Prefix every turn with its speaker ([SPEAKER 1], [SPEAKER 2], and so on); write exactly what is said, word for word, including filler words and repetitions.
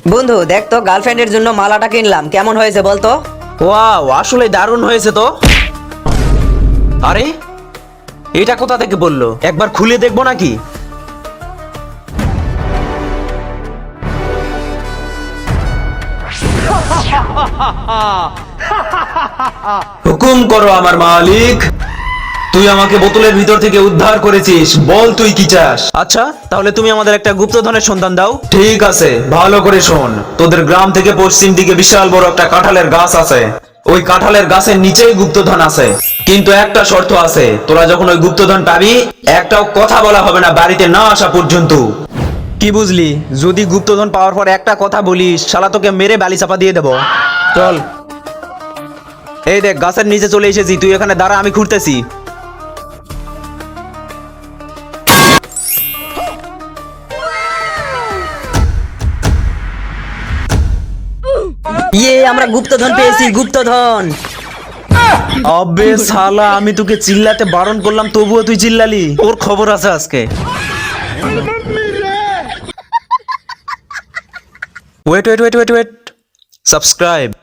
[SPEAKER 1] বন্ধু দেখ তো, গার্লফ্রেন্ডের জন্য মালাটা কিনলাম, কেমন হয়েছে বলতো?
[SPEAKER 2] ওয়াও, আসলে দারুণ হয়েছে তো। আরে এটা কোথা থেকে বললো, একবার খুলে দেখবো নাকি? হুকুম করো আমার মালিক। তুই আমাকে বোতলের ভিতর থেকে উদ্ধার করেছিস, বল তুই কি চাস? আচ্ছা, তাহলে তুমি আমাদের একটা গুপ্তধনের সন্ধান দাও। ঠিক আছে, ভালো করে শোন। তোদের গ্রাম থেকে পশ্চিম দিকে বিশাল বড় একটা কাঁঠালের গাছ আছে। ওই কাঁঠালের গাছের নিচেই গুপ্তধন আছে, কিন্তু একটা শর্ত আছে। তোরা যখন ওই গুপ্তধন পাবি, একটাও কথা বলা হবে না বাড়িতে না আসা পর্যন্ত। কি বুঝলি? যদি গুপ্তধন পাওয়ার পর একটা কথা বলিস, শালা তোকে মেরে বালি চাপা দিয়ে দেবো। চল। এই দেখ, গাছের নিচে চলে এসেছি, তুই এখানে দাঁড়া, আমি ঘুরতেছি।
[SPEAKER 1] ইয়ে, আমরা গুপ্তধন পেয়েছি, গুপ্তধন।
[SPEAKER 2] আবে শালা, আমি তোকে চিল্লাতে বারণ করলাম, তবুও তুই চিল্লালি। ওর খবর আছে আজকে। Wait wait wait wait wait subscribe.